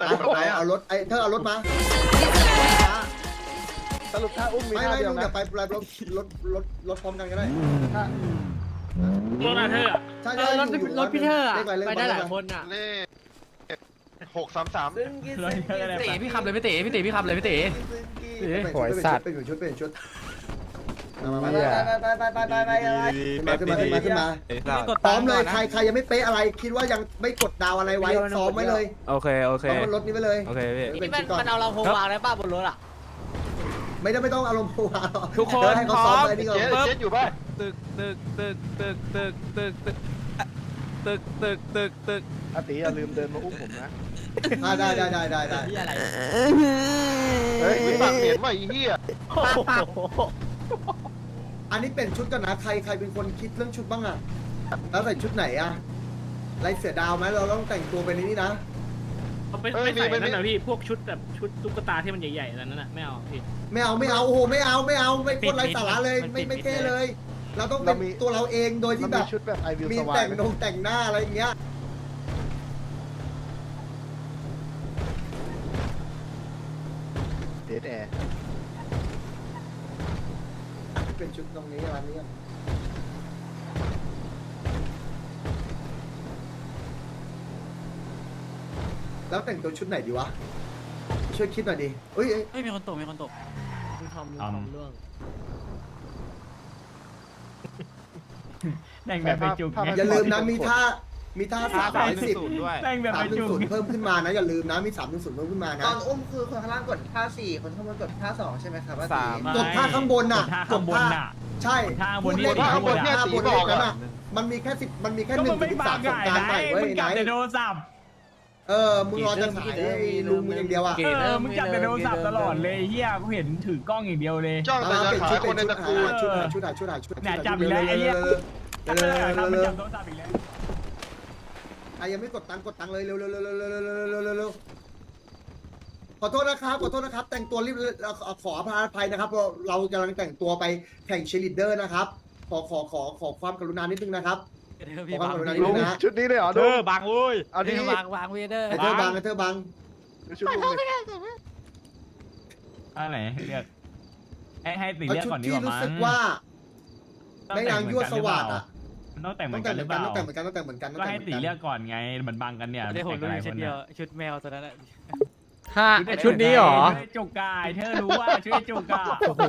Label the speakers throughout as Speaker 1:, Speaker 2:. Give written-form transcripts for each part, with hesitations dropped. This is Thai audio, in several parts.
Speaker 1: เอารถเธอเอารถมา
Speaker 2: สรุปถ้าอุ้มมี
Speaker 1: ไม่
Speaker 2: ท่า
Speaker 1: ไม่
Speaker 2: เดียว
Speaker 1: ลุง
Speaker 2: นะ
Speaker 1: อย่าไปรถพร้อมกันก็ได้
Speaker 3: รถอะเธอ
Speaker 1: ใช่รถพี่เธอไปได้หลายคนอ่ะ
Speaker 4: เลข633
Speaker 5: ตีพี่ขับเลยพี่ตีพี่ขับเลยพี่ตี
Speaker 1: หอยสัตว์เป็นชุดมาขึ้นมาพร้อมเลยใครยังไม่เป๊ะอะไรคิดว่ายังไม่กดดาวอะไรไว้ซ้อมไว้เลย
Speaker 5: โอเค
Speaker 1: ซ้อมบนรถนี้ไปเลย
Speaker 5: โอเคพี่
Speaker 1: นี่มัน
Speaker 6: เอาเราโฮวางได้ป่ะบนรถอ่ะ
Speaker 1: ไม่ต้องอารมณ์โผล่
Speaker 5: ทุกคน
Speaker 1: ให้เขาซ้อมอะไรนี่ก่อน
Speaker 4: เจ๊อยู่ป่ะ
Speaker 5: ตึก
Speaker 2: อาติอย่าลืมเดินมาอุ้มผมนะ
Speaker 1: ได้
Speaker 6: ที่อะไร
Speaker 4: เฮ้ยปากเหม็นว่ะไอ้เหี้ย
Speaker 1: อันนี้เป็นชุดกันนะใครเป็นคนคิดเรื่องชุดบ้างอะแล้วใส่ชุดไหนอะลายเสือดาวไหมเราต้องแต่งตัวเป็นนี่นะ
Speaker 3: เขาไม่ใส่นั่นนะพี่พวกชุดแบบชุดตุ๊กตาที่มันใหญ่ๆนั่นน่ะไม่เอาพี่
Speaker 1: ไม่เอาโอ้โหไม่ไม่คนไร้สาระเลยไม่เท่เลย เราต้องเป็นตัวเราเองโดยที่แบบ
Speaker 2: ชุดแบบไอวิว
Speaker 1: มี
Speaker 2: สวา
Speaker 1: แต่
Speaker 2: ย
Speaker 1: งแต่งหน้าอะไรอย่างเงี้ย
Speaker 2: เดทแอร์
Speaker 1: เป็นชุดตรงนี้ร้านนี้แล้วแต่งตัวชุดไหนดีวะช่วยคิดหน่อยดิเอ้ย
Speaker 5: มีคนตก
Speaker 6: ทำเรื่อง
Speaker 3: แต่งแบบไปจุก
Speaker 1: อย่าลืมนะมีท่า310
Speaker 5: ด้วย
Speaker 3: แต่งแบบไปจุก
Speaker 1: 310เพิ่มขึ้นมานะอย่าลืมนะมี310เพิ่มขึ้นมานะ
Speaker 6: ตอนอุ้มคือคนข้างล่างกดท่า4คนข้างบนกดท่า2ใช่ไหมครับว่า
Speaker 1: กดท่าข้างบนน่ะ
Speaker 3: ข้างบนน่ะ
Speaker 1: ใช่
Speaker 3: ท่าบนนี่
Speaker 1: ท่าบนนั้นน่ะมันมีแค่10มันมีแค่1 ถึง 3สงการใหม่เว้ยไหน
Speaker 3: แต่โทรศัพท์
Speaker 1: มึงรอจะขายให้ลุงมึงอย่างเดียวอ่ะ
Speaker 3: มึงจับแต่โทรศัพท์ตลอดเลยเฮียกูเห็นถือกล้องอย่างเดียวเลย
Speaker 4: จ้องแต่จะขายคนในตระกูล
Speaker 1: ชุด
Speaker 3: เนี่ยจับอีกแล้วไอ้เหี้ยจับมันจับโทรศัพท์อีกแล้ว
Speaker 1: ใครยังไม่กดตังค์เลยเร็วขอโทษนะครับแต่งตัวรีบขออภัยนะครับเรากำลังแต่งตัวไปแข่งเชลิดเดอร์นะครับขอความกรุณานิดนึงนะครับขอความกรุณานิด
Speaker 2: ลุ
Speaker 1: นึ
Speaker 2: ง
Speaker 1: งนะ
Speaker 2: ชุดนี้เลยเหรอ
Speaker 3: เธ
Speaker 2: ลุ
Speaker 3: อง บางโว้ย
Speaker 2: เอาดิ
Speaker 6: วางเวเดอร์
Speaker 1: ไอเธอบัง
Speaker 2: ชุดลุงเลย
Speaker 3: อะไรเรียกให้สี
Speaker 1: เอา
Speaker 3: เรียก
Speaker 1: ชุด
Speaker 3: ก่อนดี
Speaker 1: ที่
Speaker 3: กว่า
Speaker 1: รู้
Speaker 3: มั้ง
Speaker 1: สึกว่าแม่นางยั่วสวัสดิ์อ่ะ
Speaker 3: ต้องแต่งเหมื
Speaker 1: ต้
Speaker 3: อ
Speaker 1: อน ง
Speaker 3: กั
Speaker 1: แต่
Speaker 3: น
Speaker 1: ง
Speaker 3: ห
Speaker 1: เห
Speaker 3: รือ
Speaker 1: มือน
Speaker 3: เป
Speaker 1: กัน
Speaker 3: ล่า
Speaker 1: ต้องแต่งเหมือนกัน
Speaker 3: ก็ให้สีเรียกก่อนไงมันบังกันเนี่ยมันแต่งอะไรคนเนี่ย
Speaker 6: ชุดแมวตัวนั้นแหละ
Speaker 5: ห้าชุดนี้หรอ
Speaker 3: จุกกายเธอรู้ว่าชุดจุกกา
Speaker 5: โอ้โห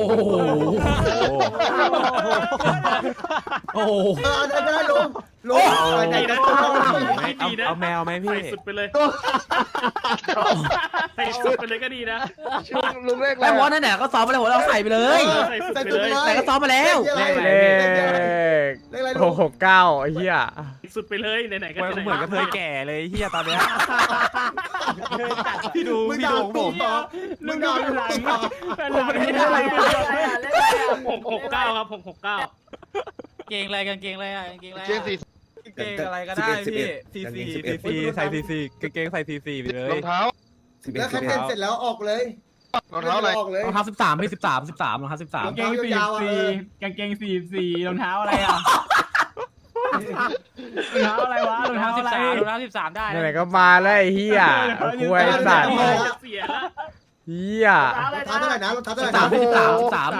Speaker 5: โอ้โห
Speaker 1: ได้ลุงไหนกัน
Speaker 5: เอาแมวไหมพี่
Speaker 3: ใส่สุดไปเลยใส่สุดไปเลยก็ดีนะ
Speaker 2: ชุดลุงเลขอะไร
Speaker 6: ไอ้วอนนั่นแหละก็ซ้อมไปเลยเราใส่ไปเลย
Speaker 3: ใส่สุดไปเลย
Speaker 6: แต่ก็ซ้อมมาแล้ว
Speaker 5: เลข669ไอ้เหี้ย
Speaker 3: สุดไปเลยไหนๆก็
Speaker 5: เหมือนกับเธอแก่เลยเหี้ยตอนเนี้ยพี่ดู
Speaker 1: มึง
Speaker 5: พี่
Speaker 1: ด่า
Speaker 5: ดูผม
Speaker 1: มึงด่า
Speaker 3: ผมไม่ได้อะไร669ครับ669
Speaker 6: เกงอะไรกันเกงอะไรอ่ะเกงอะไร
Speaker 4: เจนสี่
Speaker 5: เกงอะไรก็ได้พี่ซีใส่ซีกางเกงใส่ซีไปเลย
Speaker 4: รองเท้า
Speaker 1: แล้วคัดเต้นเสร็จแล้วออกเลย
Speaker 4: รองเท้าอะไร
Speaker 1: ออกเลย
Speaker 5: รองเท้า13พี่13รองเท้า13
Speaker 3: กางเกง44กางเกง44รองเท้าอะไรอ่ะรองเท้าอะไรวะรองเท้าอะไร
Speaker 6: รองเท้า13ได้
Speaker 5: ไหนก็มาแล้วไอ้เหี้ยคุยสัตว์
Speaker 3: เสียแล้ว
Speaker 5: เหี้ย
Speaker 1: รองเท้าเท่าไหร่นะรองเท้าเท่าไหร่
Speaker 5: 13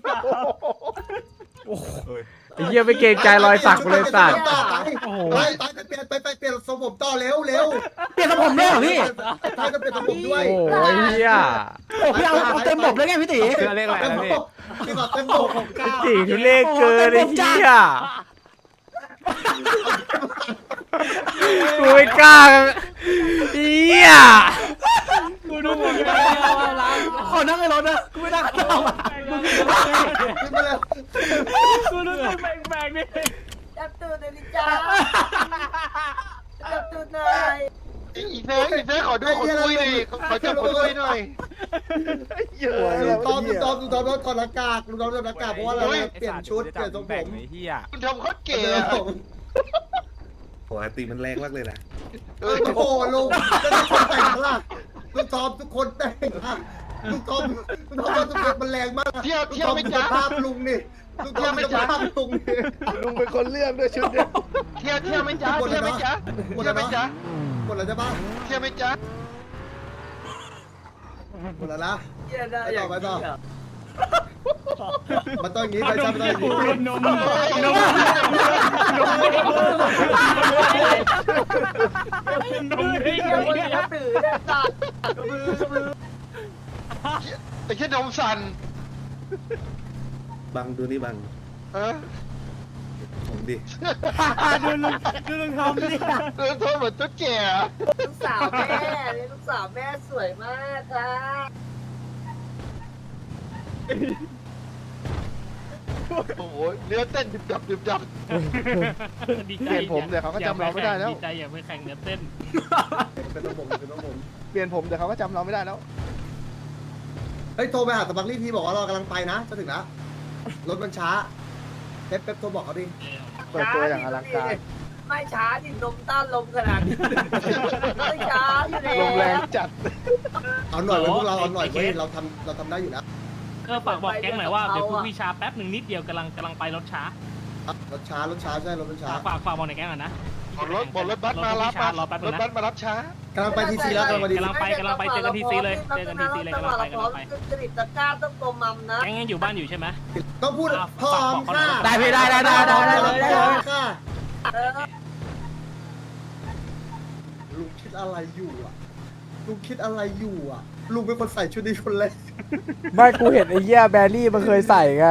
Speaker 5: ไอ้เหี้ยไม่เกรงใจรอยสักกูเลยสัตว์
Speaker 1: ไปเปลี่ยนทรงผมต่อเร็ว
Speaker 6: เปลี่ยนทรงผมด้วยเหรอพี่
Speaker 1: ท้ายจะเปลี่ยนทรงผมด้วย
Speaker 5: โอ้ยเหี้ย
Speaker 6: พี่เอาเต็มบบเลยไงพี่ตี
Speaker 5: เสื้อเลขอะไรนะพี่
Speaker 1: พี่บอกเต็มผม
Speaker 5: จีทุเรศเกินไอ้เหี้ยกูไม่กล้าเหี้ย
Speaker 3: กูดูหมดเลย
Speaker 6: ขอนั่งในรถนะกูไม่นั่งข้างนอก
Speaker 1: ขึ้นมาแล้ว
Speaker 3: กูรู้สึกแปลกๆนี่
Speaker 7: จับตูดเลยดิจ้าจับตูดหน่อย
Speaker 4: อีเธอขอดูคนคุยหน่อยขอจับคนคุยหน่อย
Speaker 2: เยอะ
Speaker 1: ลุงตอมถอดหน้ากากลุงตอมถอดหน้ากากเพราะว่าเราเปลี่ยนชุดเปลี่ยนทรงผม
Speaker 5: ไอ้เหี้ย
Speaker 4: คุณทำเขาเก๋
Speaker 8: ปกติมันแรงมากเลยนะ
Speaker 1: โอ้โหลุงทุกคนแต่งละลุงตอมทุกคนแต่งละลุงตอมทุกคนมันแรงมาก
Speaker 4: เที่ยวไม่จ้า
Speaker 1: ภาพลุงนี่ลุงตอมไม่จ้าภาพลุงนี่
Speaker 2: ลุงเป็นคนเลือกด้วยชุดเนี่ย
Speaker 4: เที่ยวไม่จ้าเที่ยวไม่จ้า
Speaker 1: หมด
Speaker 4: เที่ยว
Speaker 1: แล้ว
Speaker 4: ไม่จ้า
Speaker 1: หมดแล้วใช่ปะ
Speaker 4: เที่ยวไม่จ้า
Speaker 1: หมดแล้วนะ
Speaker 7: เหี้ยได้อย่าง
Speaker 1: ไปต่อ
Speaker 7: เหี้ย
Speaker 1: มันต้องอย่างนี้ไปซ้ำมันต้องอย่างนี้
Speaker 3: นมไม่
Speaker 7: เหี้ยคนเลี้ยงตื่นเนี่ยสัตว์มือ
Speaker 4: ไอ้แค่นมสั่น
Speaker 2: บังดูนี่บัง
Speaker 4: เออ
Speaker 2: ผมดิ
Speaker 5: ดูลุงทำดิ
Speaker 4: เออโทษเหมือนตุ๊ดแก่
Speaker 7: ลูกสาวแม่นี่ลูกสาวแม่สวยมากค่ะ
Speaker 4: โอ้โหเนื้อเต้นดึบดับดึบดับ
Speaker 3: ดี
Speaker 2: เปลี่ยนผมเดี๋ยวเขาก็จำเราไม่ได้แล้ว
Speaker 3: ดีใจอย่าไปแข่งเนื้อเต้น
Speaker 1: เป็นต้องผมเป็นต้องผม
Speaker 2: เปลี่ยนผมเดี๋ยวเขาก็จำเราไม่ได้แล้ว
Speaker 1: เฮ้ยโทรไปหาสปักลี่ทีบอกว่าเรากำลังไปนะจะถึงแล้วรถมันช้าเป๊ปโทรบอกเขาดิ
Speaker 2: เปิดตัวอย่างอลังการ
Speaker 7: ไม่ช้าดินมต้านลมขนาดนี้ไม่ช้าอยู่แล้ว
Speaker 2: ลมแรงจัด
Speaker 1: เอาหน่อยไว้พวกเราเอาหน่อยเว้ยเราทำได้อยู่แล้ว
Speaker 3: ฝากบอกแก๊งหน่อยว่าเดี๋ยวคุณวิชาแป๊บหนึ่งนิดเดียวกำลังไปรถช้าร
Speaker 1: ถช้าใช่รถมันช้า
Speaker 3: ฝากบอกในแก๊งก่อนนะ
Speaker 4: บอกรถบัสมารับ
Speaker 3: รอแป๊บ
Speaker 4: ร
Speaker 3: นึ
Speaker 4: ถ
Speaker 3: ง
Speaker 4: บั
Speaker 3: นะ
Speaker 4: สมารับช้าก
Speaker 1: ำลังไปทีซีแล้วกำลังไปที
Speaker 3: กำลังไปเจอกันทีซีเลยเจอกันทีซีเลยกำลังไป
Speaker 7: จริตตะกร้าต้องตัวมัมนะ
Speaker 3: แก๊งยังอยู่บ้านอยู่ใช่ไหม
Speaker 1: ต้องพูดพร้อมค่ะ
Speaker 5: ได้พี่ได้
Speaker 1: ค่ะ
Speaker 7: เออ
Speaker 1: ลุงคิดอะไรอยู่อ่ะลุงคิดอะไรอยู่อ่ะลุงเป็นคนใส่ชุดนี้คนแรก
Speaker 8: ไม่กูเห็นไอ้เหี้ยแบรี่มันเคยใส่ไง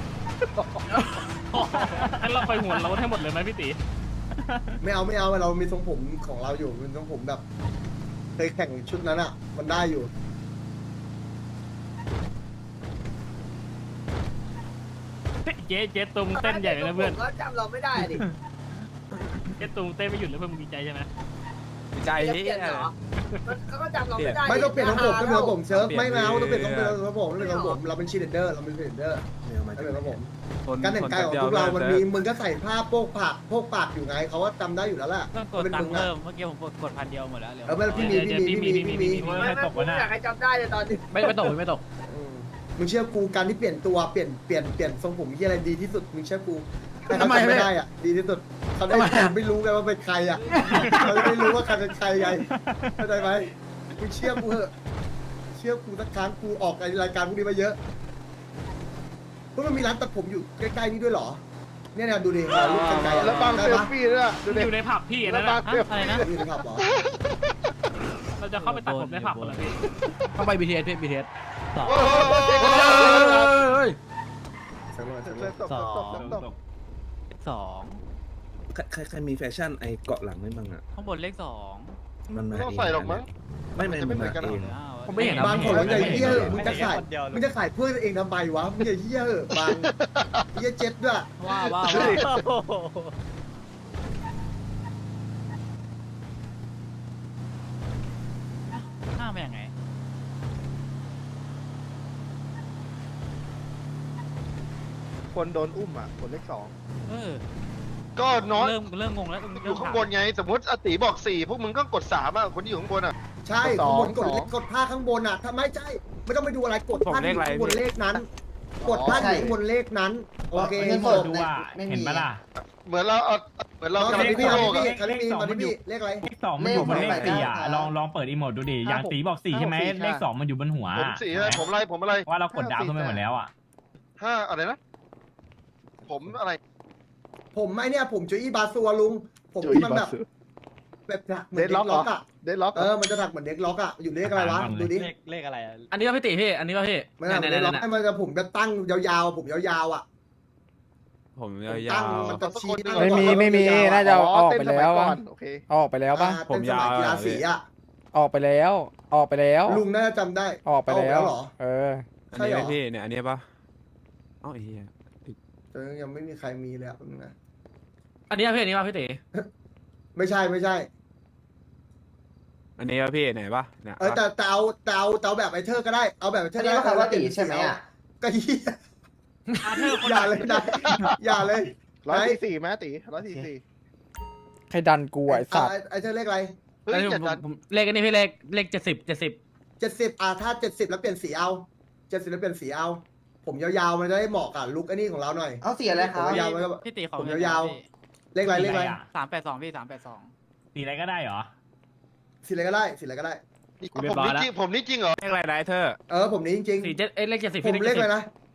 Speaker 3: งั้นเราไปหัวเราให้หมดเลยไหมพี่ตี
Speaker 1: ไม่เอาเรามีทรงผมของเราอยู่เป็นทรงผมแบบเคยแข่งชุดนั้นอ่ะ มันได้อยู่
Speaker 3: เจ๊ตุงเต้นใหญ่เลยนะเพื่อน
Speaker 7: ก็จำเราไม่ได้ดิ
Speaker 3: เจ๊ตุงเต้นไม่หยุดเลยเพื่อนมึงดีใจใช่ไหม
Speaker 5: ดีใจ
Speaker 7: เป
Speaker 5: ที่
Speaker 7: ลี่ยนเหรอเขาก็จำเราไม่ได้
Speaker 1: ไม่ต้องเปลี่ยนทรงผมต้องเปลี่ยนทรงผมเซิร์ฟไม่เอาต้องเปลี่ยนทรงผมต้องเปลี่ยนทรงผมเราเป็นชีเดอร์เราเป็นชีเดอร์
Speaker 2: ไม่เอามา
Speaker 1: ต้องเปลี่ยนทรงผม
Speaker 5: คน
Speaker 1: การแต่งกายของพวกเรามันมีมึงก็ใส่ผ้าโพกปากอยู่ไงเขาว่าจำได้อยู่แล้วแหละ
Speaker 9: ต้องกดตังค์เพิ่มเมื่อกี้ผมกด1,000 เดียวหมดแล้วเหลือ
Speaker 1: เออพี่มี
Speaker 7: ไม่อยากให้จำได้เลยตอนนี้
Speaker 9: ไม่ตกไม่ตก
Speaker 1: มึงเชื่อกูการที่เปลี่ยนตัวเปลี่ยนทรงผมที่อะไรดีที่สุดมึงเชื่อกูถ้าเขาจำไม่ได้อ่ะดีที่สุดเขาได้ไม่รู้ไงว่าเป็นใครอ่ะเขาไม่รู้ว่าใครเป็นใครไงเข้าใจไหมมึงเชื่อกูเหอะเชื่อกูสักครั้งกูออกรายการพวกนี้มาเยอะพวกมันมีร้านตัดผมอยู่ใกล้ๆนี่ด้วยเหรอเนี่ยดูดิรูปไกลๆ
Speaker 2: แล้วบังเซลฟี่ด้วยดู
Speaker 3: อ
Speaker 2: ดิ
Speaker 3: ยู่ในผับพี่
Speaker 2: แล้
Speaker 3: นะ
Speaker 2: วบังเซล
Speaker 9: อะไร
Speaker 2: ฟี่
Speaker 9: นะ
Speaker 1: อยู่ในผับเหรอ
Speaker 3: เราจะเข้าไปตัดผมในผับกันเหรอพี่
Speaker 5: ต้องไป BTS พี่ BTS
Speaker 4: โอ้โห
Speaker 1: สักหน่อย
Speaker 2: ตก
Speaker 9: 2
Speaker 2: ใครมีแฟชั่นไอเกาะหลังไม่บ้างอ่ะ
Speaker 9: ข้างบนเลข
Speaker 2: มันมา
Speaker 4: ไม่ต้องใส่หรอกมั้ง
Speaker 2: ไม่มันมาเอง
Speaker 9: 2
Speaker 5: ผมไม่เห็น
Speaker 1: บางคนใหญ่เหี้ยมึงจะขายเพื่อนเองทำไมวะมึงอย่าเหี้ยเหอะบางเหี้ยเจ็ดด้วย
Speaker 9: ว่าห้ามไปยังไง
Speaker 2: คนโดนอุ้มอ่ะคนเลข
Speaker 9: เออ
Speaker 4: ก็น้อย
Speaker 9: เริ่มงงแล้ว
Speaker 4: อยู่ข้างบนไง สมมติอติบอก4พวกมึงก็กด3อ่ะคนที่อยู่ข้างบนอ่ะ
Speaker 1: ใช่ข้างบนกดผ้าข้างบนอ่ะถ้าไม่ใช่ไม่ต้องไปดูอะไรกดผ้าข้างบนเลขนั้น กดผ้าข้างบนเลขนั้นโอเค
Speaker 6: เปิดดูอ่ะเห็นปะล่ะ
Speaker 4: เหมือนเราเอาเหมือนเรา
Speaker 1: ตอน
Speaker 4: กำลัง
Speaker 1: นี้
Speaker 4: กู้
Speaker 1: พี่
Speaker 4: โลกอ่ะ
Speaker 1: คาริมีตอนนี้พี่เลขอะไร
Speaker 6: เลข 2 มันอยู่บนเลข 4 อ่ะ ลองเปิดอีโมดดูดิ อย่างตีบอก 4 ใช่ไหม เลข 2 มันอยู่บนหัว
Speaker 4: ผม4ใช่ไหมผมอะไร
Speaker 6: ว่าเรากดดาวขึ้นไปหมดแล้วอ่ะ
Speaker 4: 5อะไรนะ ผมอะไร
Speaker 1: ผมไอเนี่ยผมโจอี้บาซัวลุงผมที่มันแบบเหมือนเด็กล็อกอ่ะ
Speaker 2: เดดล็อก
Speaker 1: มันจะถักเหมือนเด็กล็อกอ่ะอยู่เลขอะไรวะดูดิ
Speaker 6: เลขอะไรอ่ะ
Speaker 5: อันนี้ป่ะพี่ตีพี่ อันนี้ป่ะพี่
Speaker 1: ไม่ใช่เด็กล็อกให้มันจะผมจะตั้งยาวๆผมยาวๆอ่ะ
Speaker 5: ผมย
Speaker 1: ตั้ง
Speaker 5: าว
Speaker 1: มันจะชี้
Speaker 8: ไม่มีน่าจะเอาออกไปแล้ว
Speaker 2: ก่
Speaker 8: อะ
Speaker 2: อนโอเค
Speaker 8: เอาออกไปแล้วปะ
Speaker 1: ผมยาวกีฬาสีอ่ะ
Speaker 8: ออกไปแล้ว
Speaker 1: ลุงน่าจะจำได้
Speaker 8: ออกไปแล้ว
Speaker 1: เหรอ
Speaker 8: เออ
Speaker 5: อันนี้ไหมพี่เนี่ยอันนี้ป่ะอ๋อไอ้เหี้ย
Speaker 1: ยังไม่มีใครมีเลยนะ
Speaker 5: อันนี้ป่ะพี่อันนี้ป่ะพี่ตี
Speaker 1: ไม่ใช่
Speaker 5: อันนี้ป่ะพี่ไหนป่ะเนี่ย
Speaker 1: แต่เอาแบบไอเธอก็ได้เอาแบบไอเธ
Speaker 6: อั
Speaker 1: อน
Speaker 6: นี้ก็คำว่าตีใช่ไหมอ่ะ
Speaker 1: ก็เฮียอย่าเลยนะอย่าเลย
Speaker 2: 144ไหมตี144
Speaker 8: ใครดันกูไอ้สัตว์
Speaker 1: ไอเธอเลขอะไร
Speaker 4: เฮ้ย
Speaker 5: อันนี้
Speaker 4: จัดจัด
Speaker 5: ผมเลขอันนี้พี่เลข70
Speaker 1: 70ถ้า70แล้วเปลี่ยนสีเอา70แล้วเปลี่ยนสีเอา ผมยาวๆมันจะได้เหมาะกับลุคไอ้นี่ของเราหน่อย
Speaker 6: เอาเสียอะไรค
Speaker 1: ผ
Speaker 6: รั
Speaker 1: ม
Speaker 6: บ
Speaker 1: ยาวๆมันก็
Speaker 9: พี่ตีขอ
Speaker 1: ผมยาวๆเลขอะไร
Speaker 9: 382 พี่ 382
Speaker 6: สีอะไรก็ได้เหรอ
Speaker 1: สีอะไรก็ได้
Speaker 4: ผมนี่จริงเหรอ
Speaker 5: เลขอะไรนะไอ้เธอ
Speaker 1: ผมนี้จริง
Speaker 3: 47เลข70
Speaker 1: ๆผมเลขเลยนะ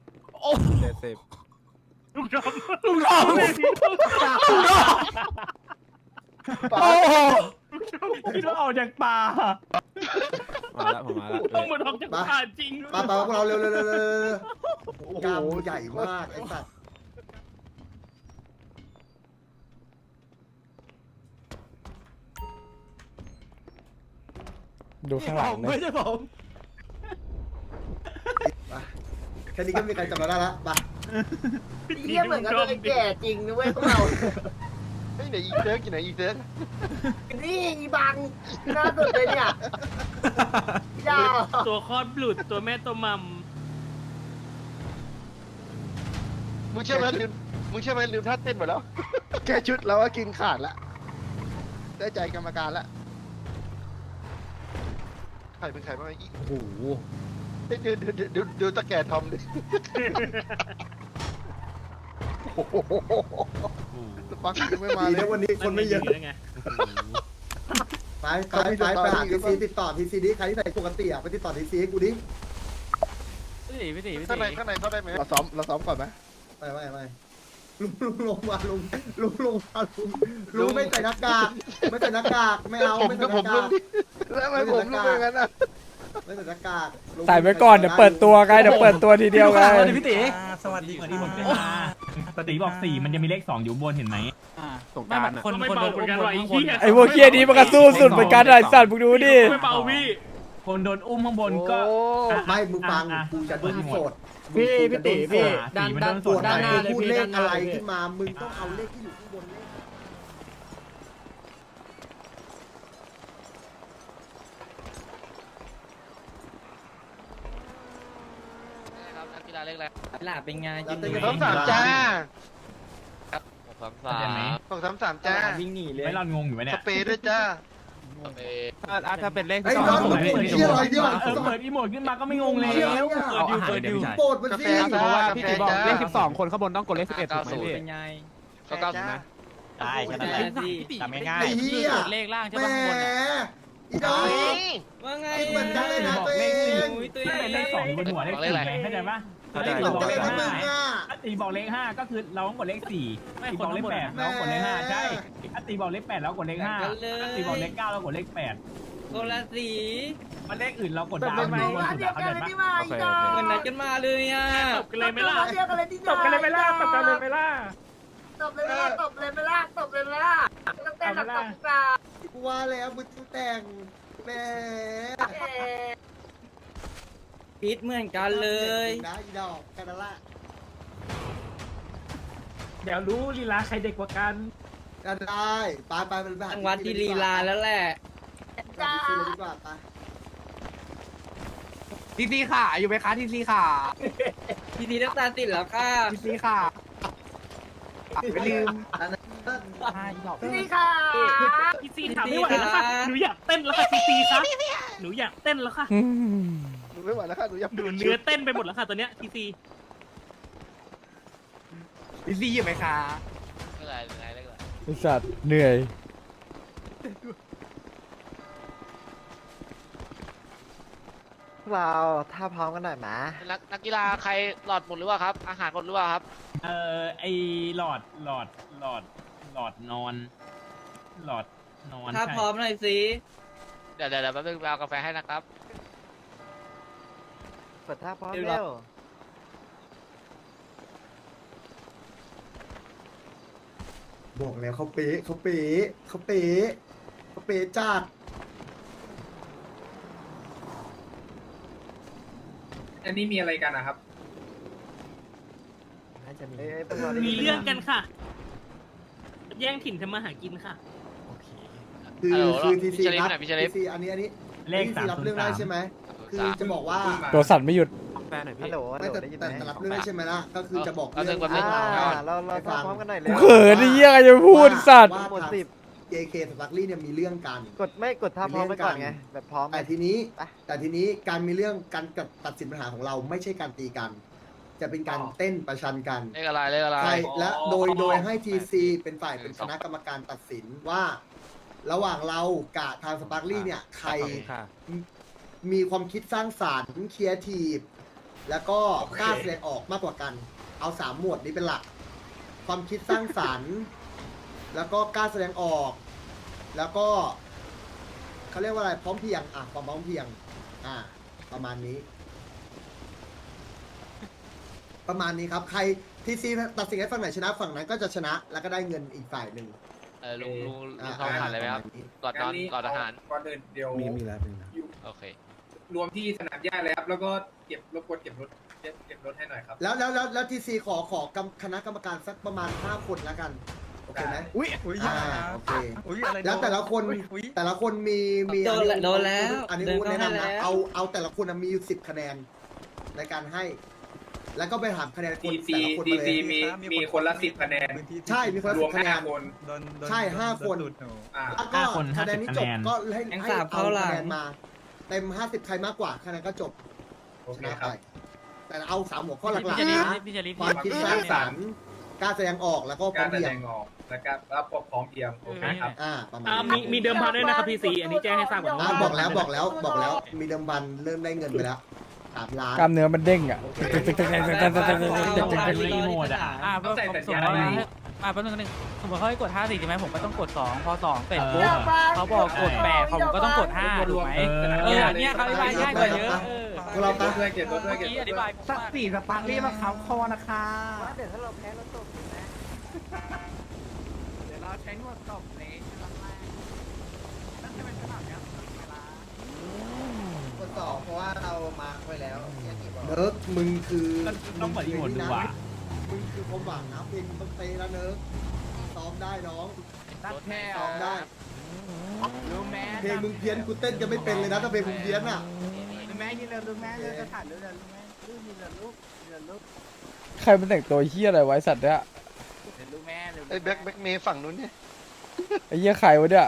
Speaker 5: 70
Speaker 3: ลุงดอม
Speaker 5: ลุงดอม
Speaker 2: ป๋า
Speaker 6: ที่เราออกจากป่า
Speaker 5: มาแล้วผมมาแล้ว
Speaker 3: ต้องมาทำจากป่าจริง
Speaker 1: ปาพวกเราเร็วกล้ามใหญ่มากไอ้สัตว์
Speaker 8: ดูข้างหลังนะ
Speaker 5: ไม่ใช่ผม
Speaker 1: แค่นี้ก็มีใครจำเราได้ละไป
Speaker 7: เยี่ยเหมือนกันเลยแก่จริงนะเว้ยพวกเรา
Speaker 4: เฮ้ยไหนอีเซิร์กอยู่ไหนอีเซิร์ก
Speaker 7: นี่อีบังหน้าสุดเลยเนี่ยยาว
Speaker 3: ตัวคลอดบลุดตัวแม่ตัวมัม
Speaker 4: มึงเชื่อไหมลืมท่าเต้นหมดแล้ว
Speaker 2: แค่ชุดเราก็กินขาดละได้ใจกรรมการละ
Speaker 4: ใครเป็นใครบ้างอี
Speaker 3: โอ้โห
Speaker 4: ดูตะแก่ทอมดิ
Speaker 2: ปักยังไม่มา
Speaker 1: ดี
Speaker 2: เล
Speaker 1: นะ
Speaker 2: ย
Speaker 1: วันนี้คนไม่เยอะ
Speaker 3: ไง
Speaker 1: ไปหาทีซีติดต่อทีซีดิใครที่ไหนปกติไปติดต่อทีซีให้กูดิ
Speaker 9: พี่ตี
Speaker 4: ข้างในเข้าได้ไหม
Speaker 2: เราซ้อมก่อนไหม
Speaker 1: ไม่ลุงลงมาลุงไม่ใส่หน้ากากไม่เอาไม่ใส่หน้ากาก
Speaker 2: แล้วทำไมผมรู้เป็นงั้นอ่ะ
Speaker 1: ไม่ใส่หน้ากาก
Speaker 8: ใส่ไว้ก่อนเดี๋ยวเปิดตัวไงเดี๋ยวเปิดตัวทีเดียวไง
Speaker 9: พี่ตี
Speaker 6: สวัสดีที่ผมขึ้นมาปกติบอก4มันจะมีเลข2อยู่บนเห็นไหม
Speaker 5: สงกรานต์อะ
Speaker 3: คนโดนอุ้มบนข้างบน
Speaker 8: ไอ้พวกเคียนี้มันก็สู้สุดเหมือนกันไอ้สัตว์มึงดูดิ
Speaker 3: ไม่เบาพี่
Speaker 6: คนโดนอุ้มข้างบนก็
Speaker 1: ไม่มึงฟังกูจะดูโสด
Speaker 6: พี่ตีพี่ด้าน
Speaker 1: ปวดด้านหน้าพูดเลขอะไรขึ้นมามึงต้องเอาเลขที่อยู่ข้างบนเลข
Speaker 9: ครับนักกีฬาเล็กอะไร
Speaker 3: หลาเป็นไง
Speaker 1: แล้วเต้น
Speaker 4: สองสามจ้า
Speaker 9: 633
Speaker 4: จ้า
Speaker 3: วิ่งหนีเลย
Speaker 6: ไม่รอนงงอยู่ไหม
Speaker 4: ส
Speaker 6: เนี่ย
Speaker 4: เปรย์ด้วยจ้า
Speaker 5: ถ้าเป็นเลข
Speaker 1: ไอ้
Speaker 5: ที่
Speaker 1: น้อง
Speaker 5: 2
Speaker 1: มึงเที่ยอะไรเนี่ย
Speaker 6: เปิดอีโมดขึ้นมาก็ไม่งงเลย
Speaker 1: เปิดอยู่โปรดมันสิ
Speaker 5: เพราะว่าพี่ตีบอกเลข12 คนข้างบนต้องกดเลข11ถูกไหมพี่
Speaker 3: เป็นไง
Speaker 4: ก็90นะ
Speaker 9: ได้แค่นั้นแหละจำง่าย
Speaker 1: ไอ้เหี้ย
Speaker 9: เลขล่างใช่
Speaker 1: แหม
Speaker 9: ป่ะข้างบนอะ
Speaker 1: อีน้อง
Speaker 3: ว่าไง
Speaker 1: เหมือนกันเลยนะตัวเอง
Speaker 6: ถ้าเป็นเลข2บนหัวเลข4เข้าใจปะ
Speaker 1: เหมือนกันเลยนะมึงอ่ะ
Speaker 6: ถ้าตีบอกเลข5ก็คือเราต้องกดเลข4ตีบอกเลข8เรากดเลข5ใช่ถ้าตีบอกเลข8เรากดเลข5ถ้าตีบอกเลข9เรากดเลข8
Speaker 3: คนละสี
Speaker 6: มันเลขอื่นเรากดดาวไม่
Speaker 7: ดู
Speaker 6: บน
Speaker 7: อัน
Speaker 6: สุด
Speaker 7: เดียว
Speaker 6: เข้า
Speaker 7: กั
Speaker 6: ใจ
Speaker 7: นเลย
Speaker 6: ปะ
Speaker 7: ที่มาอีดอก
Speaker 3: เหมือนนัดกันมาเลยอ่ะตบกันเลยไหมล่ะ
Speaker 7: อันเดียวกันเลยที่
Speaker 6: ตบกันเลยไหมล่ะตบกันเลยไหมล่ะ
Speaker 7: ตบเลยไหมล่ะตบเลยไหมล่ะตบเลยไหมล่ะต้องเต้นแบบตบกา
Speaker 1: กูว่าแล้วมึงต้องแต่งแหม
Speaker 3: พิษเหมือนกันเลย
Speaker 1: นะอีดอกแค่นั้นละ
Speaker 6: เดี๋ยวรู้ลีลาใครเด็กกว่ากัน
Speaker 1: ก็ได้ไปมันแบบ
Speaker 3: จังหวัดที่ลีลาแล้วแหละ
Speaker 7: จ้า
Speaker 1: เลยดีกว่าไป
Speaker 5: ทีซีค่ะอยู่ไหมคะทีซีค่ะ
Speaker 3: พี่ทีน้ำตาติดแล้วค่ะ
Speaker 5: ทีซีค่ะ
Speaker 2: ไม่ลืม
Speaker 7: นี่ค่ะ
Speaker 3: พี่ซีถามไม่ไหวแล้วค่ะหนูอยากเต้นแล้วค่ะพี่ซีครับหนูอยากเต้นแล้วค่ะ
Speaker 8: อืม
Speaker 2: หนูไม่ไหวแล้วค่ะหนูอยาก
Speaker 3: หนูเนื้อเต้นไปหมดแล้วค่ะตอนเนี้ยพี่ซี
Speaker 5: ทีซีอยู่ไหมคะ
Speaker 8: ไอ้สัตว์เหนื่อย
Speaker 2: เราถ้าพร้อมกันหน่อยมา
Speaker 9: นักกีฬาใครหลอดหมดหรือว่าครับ อาหารหมดหรือว่าครับ
Speaker 6: ไอหลอดนอนหลอดนอน
Speaker 3: ถ้าพร้อมหน่อยสิ
Speaker 9: เดี๋ยวแป๊บนึงไปเอากาแฟให้นะครับ
Speaker 2: เปิดท่าพร้อมเร็ว
Speaker 1: บอกแล้วเขาเป๊ะจัด
Speaker 6: อันนี้มีอะไรกันนะครับ
Speaker 3: มีเรื่องกันค่ะ แย่งถิ่นทำมาหากินค่ะ
Speaker 1: คือทีซี
Speaker 9: พี่เชลิฟ
Speaker 1: รับ
Speaker 9: หน่อยพี่เชลิฟ
Speaker 1: ทีซีอันนี้
Speaker 6: เลข
Speaker 1: ทีซีรับเรื่องได้ใช่ไหมคือจะบอกว่า
Speaker 8: ตัวสั่นไม่หยุด
Speaker 5: แฟนหน่อยพี่
Speaker 2: ฮัลโหล
Speaker 1: ไม่แต่รับเรื่องได้ใช่ไหมล่ะก็คือจะบอก
Speaker 9: เอา
Speaker 1: เรื่อง
Speaker 9: เอาเรื่อง
Speaker 2: เราถ้าพร้อมกันหน่อยเร็
Speaker 8: กู
Speaker 2: ว
Speaker 8: เขินไอ้เหี้ยจะพูดสัตว์
Speaker 1: ว่า
Speaker 2: หมด
Speaker 1: ทาง
Speaker 2: 10
Speaker 1: JK สตักลี่เนี่ยมีเรื่องกัน
Speaker 2: กดท่าพร้อมไปก่อนไงแบบพร้อม
Speaker 1: แต่ทีนี้การมีเรื่องการตัดสินปัญหาของเราไม่ใช่การตีกัน จะเป็นการเต้นประชันกัน
Speaker 9: เลขอะไร
Speaker 1: ใช่และโดยให้ทีซีเป็นฝ่ายเป็นคณะกรรมการตัดสินว่าระหว่างเรากับทางสปาร์คลี่เนี่ยใคร
Speaker 5: ขอบคุณค่ะ
Speaker 1: มีความคิดสร้างสรรค์ครีเอทีฟแล้วก็กล้าแสดงออกมากกว่ากัน เอา3หมวดนี้เป็นหลัก ความคิดสร้างสรรค์ แล้วก็กล้าแสดงออก แล้วก็เขาเรียกว่าอะไรพร้อมเพรียงความพร้อมเพรียงประมาณนี้ ประมาณนี้ครับใครทีซีตัดสินให้ฝั่งไหนชนะฝั่งนั้นก็จะชนะแล้วก็ได้เงินอีกฝ่ายหนึ่ง
Speaker 9: ลุงเข้าผ่านเลยไหมครับก่อนนอนก่อนอาหาร
Speaker 10: ก่อนอื่นเดี๋ยว
Speaker 8: มีแล้ว
Speaker 9: โอเค
Speaker 10: รวมที่สนามหญ้าเลยครับแล้วก็รบกวนเก็บรถให้หน่อยครับ
Speaker 1: แล้วทีซีขอคณะกรรมการสักประมาณ5 คนแล้วกันโอเคไหม
Speaker 5: อุ้ย
Speaker 1: โอเค
Speaker 5: อุ้ยอะไร
Speaker 1: แล้วแต่ละคน
Speaker 5: อุ๊ย
Speaker 1: แต่ละคนมี
Speaker 7: โดนแล้ว
Speaker 1: อันนี้อูแนะนำนะเอาแต่ละคนมีอยู่10 คะแนนในการให้ แล้วก็ไปถามคะแนนคนแต่ละคนมาเลย
Speaker 10: มีคนละ10 คะแนน
Speaker 1: ใช่มีคนละ
Speaker 10: รวม
Speaker 1: 10 คะแนน
Speaker 10: 5 คน
Speaker 1: ใช่5 คน แล้วก็
Speaker 6: 5 คน
Speaker 1: คะแนนที่จบ
Speaker 6: 50
Speaker 1: ก็ให้
Speaker 7: ยัง
Speaker 1: ให้
Speaker 7: สาม
Speaker 1: เอา
Speaker 7: เข้าหลัง
Speaker 1: คะแนนมา เต็ม50ใครมากกว่าคะแนนก็จบ
Speaker 10: โอ
Speaker 1: ช
Speaker 10: เค
Speaker 1: นะ
Speaker 10: ครั
Speaker 1: ไป
Speaker 10: บ
Speaker 1: แต่เอา3 หัวข้อหลัก
Speaker 3: พี่
Speaker 1: ๆ
Speaker 3: จะรี
Speaker 1: นะ
Speaker 3: บพี่จะรีบ
Speaker 1: ความคิดสร้างสรรค์กล้าแสดงออกแล้วก็พร้
Speaker 10: กา
Speaker 1: อ
Speaker 10: ร
Speaker 1: ม
Speaker 10: แส
Speaker 1: เพรี
Speaker 10: ด
Speaker 1: ยง
Speaker 10: งออกแล้วก็พร้อมเพรียงโอเคครับ
Speaker 1: ประมาณนี้
Speaker 3: มีเดิมพันด้วยนะครับพี่ซีอันนี้แจ้งให้ทราบก่อน
Speaker 1: บอกแล้วมีเดิมพันเริ่มได้เงินไปแล้ว3 ล้าน
Speaker 8: กล้ามเนื้อมันเด้งอ่ะ
Speaker 6: รีโมทอ่ะ
Speaker 10: ต้องใส่สัญ
Speaker 6: สม
Speaker 10: ญาม ณ
Speaker 6: ติว่า
Speaker 10: นี้
Speaker 5: แป๊บนึงสมมติเขาให้กด5 4ใช่ไหมผมก็ต้องกด2พอ2เสร็จปุ๊บ
Speaker 7: อย่าฟัง
Speaker 5: เขาบอกกด8ผมก็ต้องกด5ถูกไหมเนี่ยเขาอธิบายง่ายกว่าเยอะ
Speaker 1: พวกเรา
Speaker 10: ร
Speaker 1: ปะ
Speaker 10: ถด้วยเก็บรถด้วย
Speaker 5: เมื่อ
Speaker 10: เก็บ
Speaker 5: กี้อธิบาย
Speaker 6: สักสี่สปาร์คลี่มาเขาคอนะคะ
Speaker 7: เดี๋ยวถ้าเราแพ้เราตกนะ
Speaker 6: เดี๋ยวเราใช้นวดตบเลยจะเป็นขนาดนี้เวลา
Speaker 7: คนสองเพราะว่าเรามาร์คไว้แล้วเนี่ยกี่บอก
Speaker 1: เนิร์กมึงคือ
Speaker 6: ต้องเปิดรีโมทดูว่ะ
Speaker 1: มึงคือความหวังนะเพลงต้องเตะแล้วเนิร์กซ้อมได้น้อง
Speaker 6: ตัดแค่
Speaker 1: ซ้อมได้
Speaker 6: ดูแม่
Speaker 1: เพลงมึงเพี้ยนกูเต้นจะไม่เป็นเลยนะถ้าเพลงมึงเพี้ยนอ่ะ
Speaker 6: ดูแม่ยืนเร็วดูแม่เลยจะถ่ายรูปเร็วดูแม่รูปยืนเร็วลูกยืนเร็วลูก
Speaker 8: ใครมันแต่งตัวเฮี้ยอะไรไวะไอ้สัตว์เนี่ย
Speaker 6: เดี๋ยวดูแม่เร็ว
Speaker 2: ไอ้แบ็คเมย์ฝั่งนู้นเนี่ย
Speaker 8: ไอ้เหี้ยใครวะเนี่ย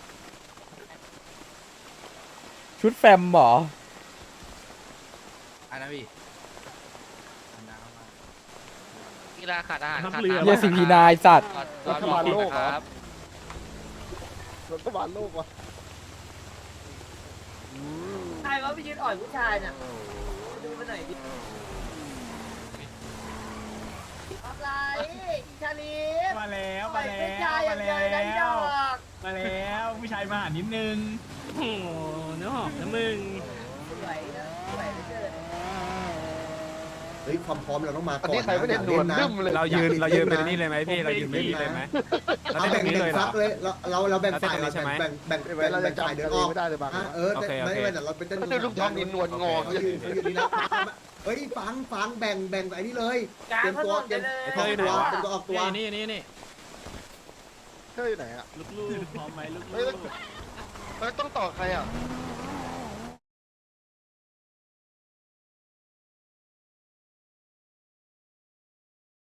Speaker 8: ชุดแฟมเหรอ
Speaker 6: อันนั้นพี่
Speaker 9: กีฬาขาดอาหารขาด
Speaker 8: เหี้ยซีพีนายสัตว์
Speaker 9: รัฐบาลโลกครับ
Speaker 2: รัฐบาลโลกวะ
Speaker 7: ใครว่าไปยืนอ่อยผู้ชายน่ะดูไปหน่อยดิอะไรอีชาลีฟ
Speaker 6: มาแล้ว
Speaker 7: ปล่
Speaker 6: มา
Speaker 7: อย
Speaker 6: แล้
Speaker 7: ผู้ชายว อย่าง
Speaker 6: มา
Speaker 7: เดียวเลยนะดอก
Speaker 6: มาแล้วผู้ชายมาหานิดนึง
Speaker 3: โอ้โหเนื้อหอมนะมึง
Speaker 7: สวยนะสวยเหลือเกิน
Speaker 1: เฮ้ยความพร้อมเราต้องมา
Speaker 2: อัน
Speaker 1: ก่อน
Speaker 2: นี้ใครไม่ได้หนวดดึ้มเลย
Speaker 5: เรายืนไปนี่เลยไหมพี่เรายืนไปนี่เลยไหม
Speaker 1: เอาแบ่งฟักเลยเราแบ่งฝ่าย
Speaker 5: เราเต้นตรงนี้ใช่ไหม
Speaker 1: แบ่ง
Speaker 2: เวลาจะ
Speaker 1: ฝ่าย
Speaker 2: จำ
Speaker 1: เดิ
Speaker 2: เดิ
Speaker 1: น
Speaker 2: น
Speaker 1: ออก
Speaker 2: ไม่ได้เลยบาง
Speaker 5: โอเค
Speaker 1: ไม่ไม่เราไปเต้น
Speaker 2: ไม่ได้ลุงทอมมีหนวดงอ
Speaker 1: เขาอยู่นี่นะเฮ้ยฟังแบ่งไอ้นี่เลย
Speaker 7: กลาง
Speaker 1: เตรียม
Speaker 7: ถ
Speaker 1: ตั
Speaker 7: น
Speaker 1: วน
Speaker 7: ไปเลย
Speaker 1: เตรียมตัวออกตัว
Speaker 5: นี่
Speaker 2: เฮ้ยไหนอ่ะ
Speaker 3: ลูกๆพร้อมไหมลูก
Speaker 2: เฮ้ยต้องต่อใครอ่ะ
Speaker 3: ๆ